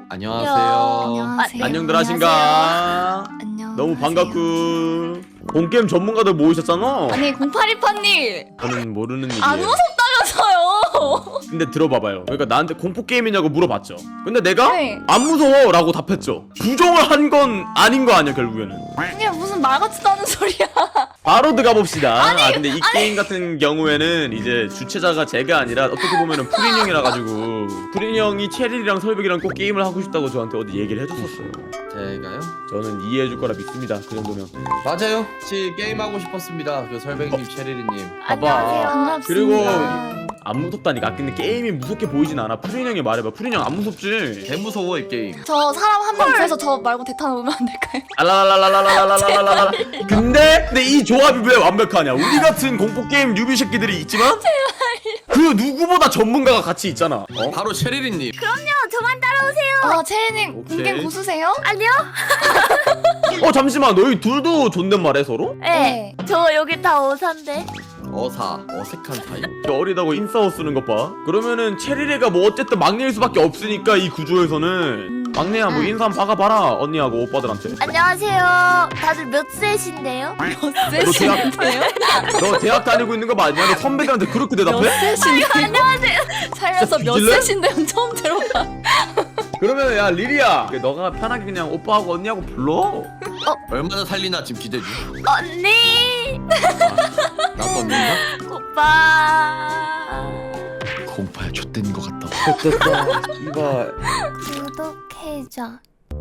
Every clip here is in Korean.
안녕하세요. 안녕하세요. 안녕들 하신가? 안녕. 너무 반갑구. 본게임 전문가들 모이셨잖아. 아니 0828님 저는 모르는 일이에요. 안 무섭다면서요? 근데 들어봐봐요. 그러니까 나한테 공포 게임이냐고 물어봤죠. 근데 내가 네. 안 무서워라고 답했죠. 부정을 한 건 아닌 거 아니야 결국에는. 이게 무슨 말 같지도 않은 소리야. 바로 들어가 봅시다. 근데 이 게임 같은 경우에는 이제 주최자가 제가 아니라 어떻게 보면은 프린 형이라 가지고 프린 형이 체리랑 설백이랑 꼭 게임을 하고 싶다고 저한테 어디 얘기를 해줬었어요. 제가요? 저는 이해해줄 거라 믿습니다. 그 정도면. 맞아요. 같이 게임 하고 싶었습니다. 그 설백님, 체리리님. 봐봐. 반갑습니다. 그리고 안 무섭다니까. 근데 게임이 무섭게 보이진 않아. 프린 형이 말해봐. 프린 형 안 무섭지? 개 무서워 이 게임. 저 사람 한 명 구해서 저 말고 대타 놓으면 안 될까요? 알라라라라라라라라라라. 근데 이 조합이 왜 완벽하냐? 우리 같은 공포 게임 뉴비 새끼들이 있지만 그 누구보다 전문가가 같이 있잖아. 어? 바로 체리리님. 저만 따라오세요. 아 체리님 오케이. 공개임 고수세요? 아니요? 잠시만. 너희 둘도 존댓말해 서로? 네. 저 여기 다 오산데. 어색한 사이. 어리다고 인싸워 쓰는 것 봐. 그러면은 체리레가 뭐 어쨌든 막내일 수밖에 없으니까 이 구조에서는 막내야 뭐 인사 한번 박아봐라. 언니하고 오빠들한테. 안녕하세요. 다들 몇 세신데요? 몇 세신데요? 너 대학 다니고 있는 거 맞냐? 너 선배들한테 그렇게 몇 대답해? 세신데요? 안녕하세요. 살면서 몇 뒤질래? 세신데요? 처음 들어봐. 그러면 야 리리야, 너가 편하게 그냥 오빠하고 언니하고 불러. 얼마나 살리나 지금 기대 중. 언니. 나도 언니인가? 오빠. 공파야 좆된 거 같다. 됐다. 이봐. 구독해줘.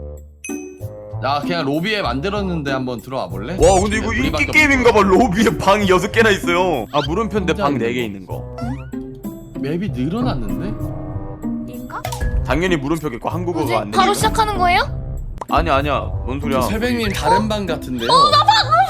나 그냥 로비에 만들었는데 한번 들어와 볼래? 와 근데 이거 우리밖에 인기 게임인가봐. 로비에 방이 6개나 있어요. 아 물음표인데 방 혼자 4개 있는 거. 맵이 늘어났는데? 인가? 당연히 물음표겠고 한국어가 뭐지? 안 돼. 바로 시작하는 거예요? 아니야. 뭔 소리야? 설백님 다른 방 같은데요? 어,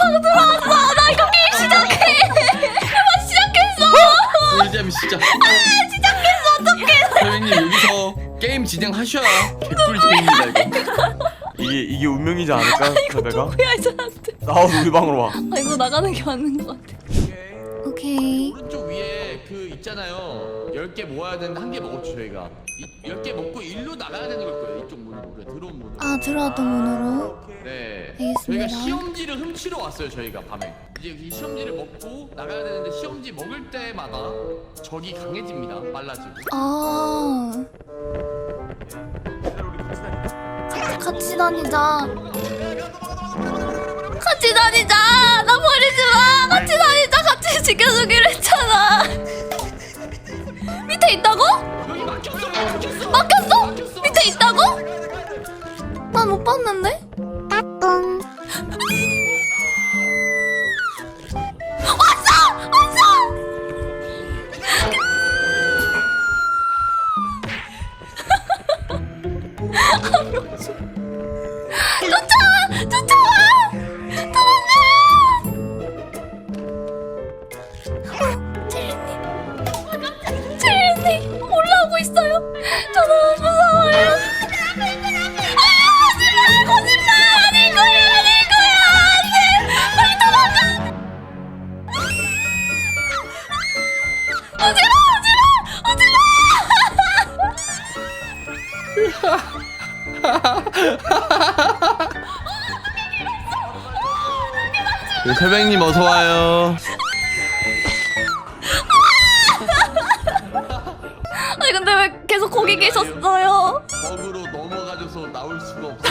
꿀잼 시작. 시작했어 어떡해. 설백님 여기서 게임 진행하셔야 개꿀잼입니다 이거. 이게 운명이지 않을까? 설배가? 뭐야 이 사람들. 나와서 우리 방으로 와. 아 이거 나가는 게 맞는 것 같아. 오케이. 오른쪽 위에 그 있잖아요. 10개 모아야 되는데 1개 먹었죠 저희가. 10개 먹고 일로 나가야 되는 걸 거예요. 이쪽 문으로. 그래, 들어온 문으로. 아 들어왔던 문으로. 네. 알겠습니다. 저희가 시험지를 훔치러 왔어요. 저희가 밤에. 이제 이 시험지를 먹고 나가야 되는데 시험지 먹을 때마다 적이 강해집니다. 빨라지고. 아. 같이 다니자. 같이 다니자. 나 버리지 마. 같이 다니자. 같이 지켜주기로 했잖아. 밑에 있다고? 여기 막혔어. 막혔어? 밑에 있다고? 난 못 봤는데. 쫓아와! 도망가! 체리님 올라오고 있어요. 저 너무 무서워요. 거짓말! 아닐 거야! 안 돼! 빨리 도망가! 네, 설백님 어서 와요. 아니 근데 왜 계속 거기 계셨어요? 버그로 넘어가줘서 나올 수가 없어.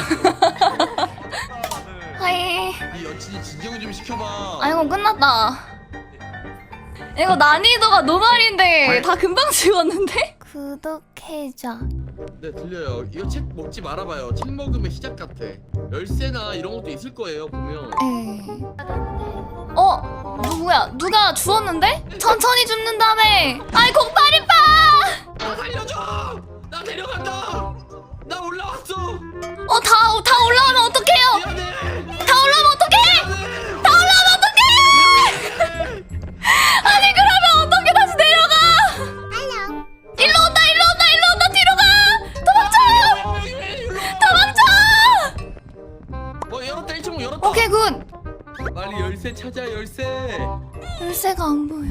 하이. 이 여친이 진정 좀 시켜봐. 아이고 끝났다. 이거 난이도가 노말인데 다 금방 찍었는데? 구독해줘. 네 들려요. 이거 책 먹지 말아봐요. 책 먹으면 시작 같아. 열쇠나 이런 것도 있을 거예요 보면. 에이. 누구야? 누가 주웠는데? 천천히 줍는다며. 아이 0828! 나 살려줘! 나 데려간다! 나 올라왔어! 다 올라오면 어떡해요? 미안해! 다 올라오면 어떡해? 다 올라오면 어떡해? 아니 그러면 어떻게 다시 내려가? 일로 온다 뒤로 가! 도망쳐! 열었다 1층 열었다! 오케이 굿. 빨리 열쇠 찾아 열쇠! 열쇠가 안 보여.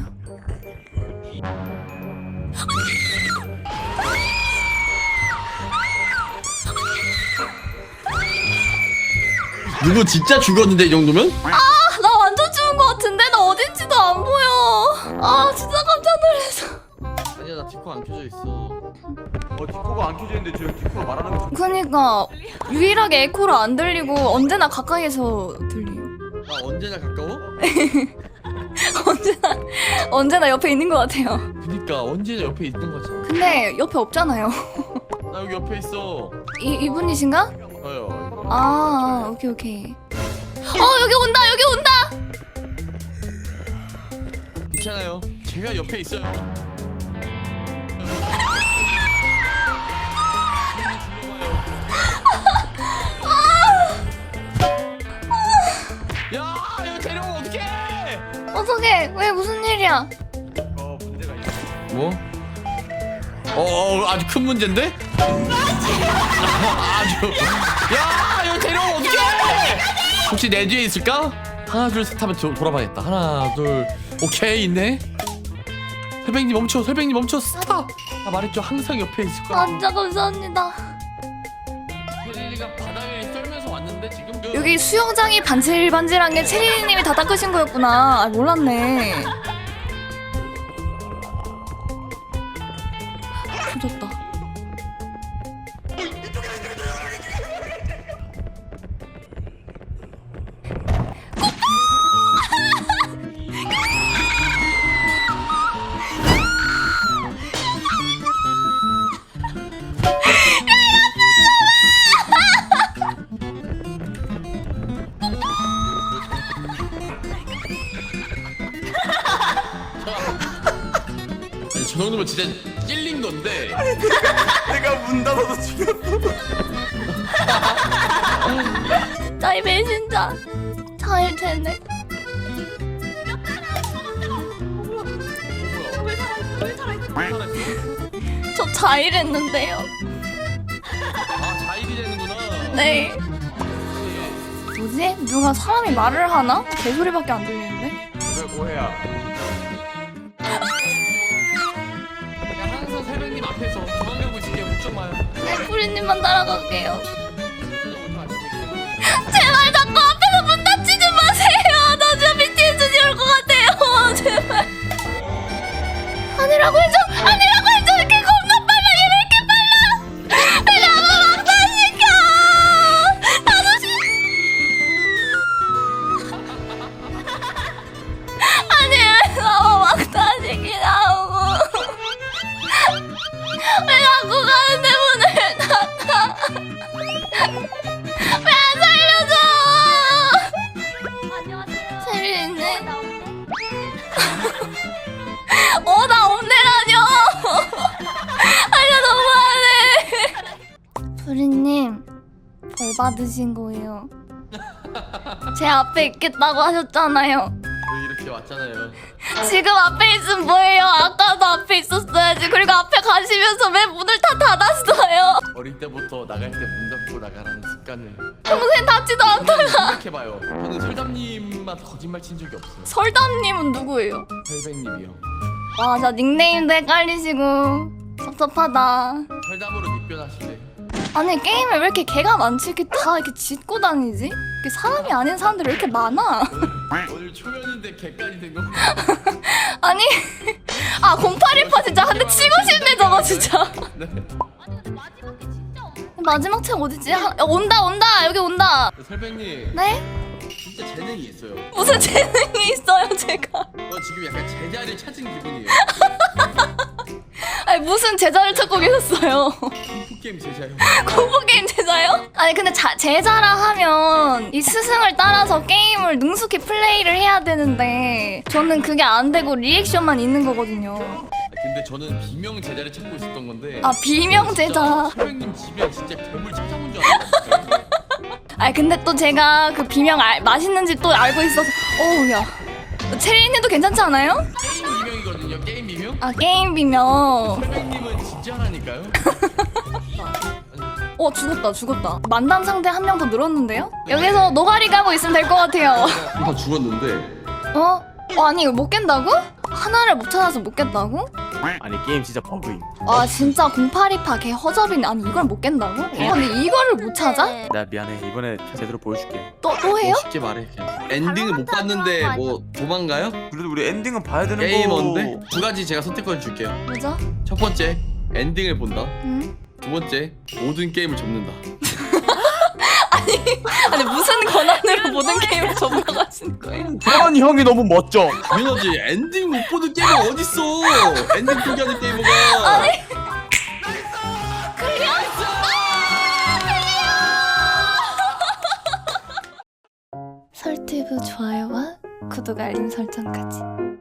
누구 진짜 죽었는데 이 정도면? 나 완전 죽은 거 같은데? 나 어딘지도 안 보여. 아 진짜 깜짝 놀랐어. 아니야 나 디코 안 켜져 있어. 디코가 안 켜져 있는데 저 디코로 말하는 거 그니까 유일하게 에코로 안 들리고 언제나 가까이에서 들려요. 나 언제나 가까워? 언제나 옆에 있는 것 같아요. 그니까 언제나 옆에 있는 거지. 근데 옆에 없잖아요. 나 여기 옆에 있어. 이분이신가? 저요. 아 오케이 오케이. 여기 온다 여기 온다. 괜찮아요. 제가 옆에 있어요. 야, 이거 데려오면 어떡해? 어떡해 왜 무슨 일이야? 문제가 있어. 뭐? 아주 큰 문제인데? 아주. 야, 이거 데려오면 어떡해? 혹시 내 뒤에 있을까? 하나, 둘, 셋 하면 돌아봐야겠다. 하나, 둘, 오케이, 있네. 설백님 멈춰, 설백님 멈춰, 스탑! 나 말했죠, 항상 옆에 있을 거야. 진짜 감사합니다. 혜린이가 바닥에 떨면서 왔는데 지금 여기 수영장이 반질반질한 게 체리님이 다 닦으신 거였구나. 아 몰랐네. 조졌다. 아니, 저 정도면 진짜 찔린 건데. 내가 문 닫아서 죽였어. 나의 배신자. 잘 되네. 저 자일했는데요. 아 자일이 되는구나. 네. 뭐지? 누가 사람이 말을 하나? 개소리밖에 안 들리는데? 왜 뭐해야? 그냥 항상 새벽님 앞에서 저만 가고 있을게요. 걱정 마요. 네, 프리님만 따라갈게요. 제발 자꾸 앞에서 문 닫히지 마세요. 나 진짜 BTS 올 것 같아요. 제발. 아니라고 해줘. 아니라고 해줘. 이렇게 겁나 빨라. 얘 왜 이렇게 빨라? 왜 나만 막다시켜? 나도 아니 왜 나만 막다시키냐고. 왜 자꾸 가는데 문을 닫아? 왜 안 살려줘? 안녕하세요. 세리네. 나 없네라뇨. 아니야 너무하네. 프리님 벌 받으신 거예요. 제 앞에 있겠다고 하셨잖아요. 여기 이렇게 왔잖아요. 지금 앞에 있으면 뭐예요? 아까도 앞에 있었어야지. 그리고 앞에 가시면서 왜 문을 다 닫았어요? 어릴 때부터 나갈 때 문 닫고 나가라는 습관을 평소엔 닫지도 않다가. 생각해봐요. 저는 설담님한테 거짓말 친 적이 없어요. 설담님은 누구예요? 설백님이요. 와, 저 닉네임도 헷갈리시고 섭섭하다. 설담으로 닉변하실래? 아니 게임에 왜 이렇게 개가 많지? 이렇게 다 이렇게 짖고 다니지? 이렇게 사람이 아닌 사람들이 왜 이렇게 많아? 오늘 초면인데 개까지 된 거. 아니 0818 진짜 한 대 치고 싶네 저거 진짜. 네. 마지막 책 어디지? 온다 여기 온다. 설백님 네? 진짜 재능이 있어요. 무슨 재능이 있어요 제가? 저 지금 약간 제자리를 찾은 기분이에요. 아니 무슨 제자를 찾고 계셨어요? 게임 제자요. 공포 게임 제자요? 아니 근데 제자라 하면 이 스승을 따라서 게임을 능숙히 플레이를 해야 되는데 저는 그게 안 되고 리액션만 있는 거거든요. 근데 저는 비명 제자를 찾고 있었던 건데. 아 비명 제자. 설백님 집에 진짜 괴물 찾아온 줄 알았어요. 아니 근데 또 제가 그 비명 맛있는 집 또 알고 있어서 어우야. 체리님도 괜찮지 않아요? 게임 비명이거든요. 게임 비명. 아 게임 비명. 설백님은 진짜라니까요. 죽었다. 만담 상대 한 명 더 늘었는데요? 여기서 노가리 가고 있으면 될 것 같아요. 다 죽었는데. 어? 아니 이걸 못 깬다고? 하나를 못 찾아서 못 깼다고? 아니 게임 진짜 버그임. 아 진짜 0828 개 허접이네. 아니 이걸 못 깬다고? 아니 이거를 못 찾아? 나 미안해. 이번에 제대로 보여줄게. 또 해요? 쉽게 말해 그냥. 엔딩을 못 봤는데 뭐 도망가요? 그래도 우리 엔딩은 봐야 되는 게이머인데? 두 가지 제가 선택권 줄게요. 뭐죠? 첫 번째 엔딩을 본다. 응? 두 번째 모든 게임을 접는다. 아니 무슨 권한으로 모든 게임을 접어가시는 거예요? 그런 형이 너무 멋져. 당연하지. 엔딩 못 보는 게임이 어딨어. 엔딩 포기하는 게이머가. 설티브 좋아요와 구독 알림 설정까지.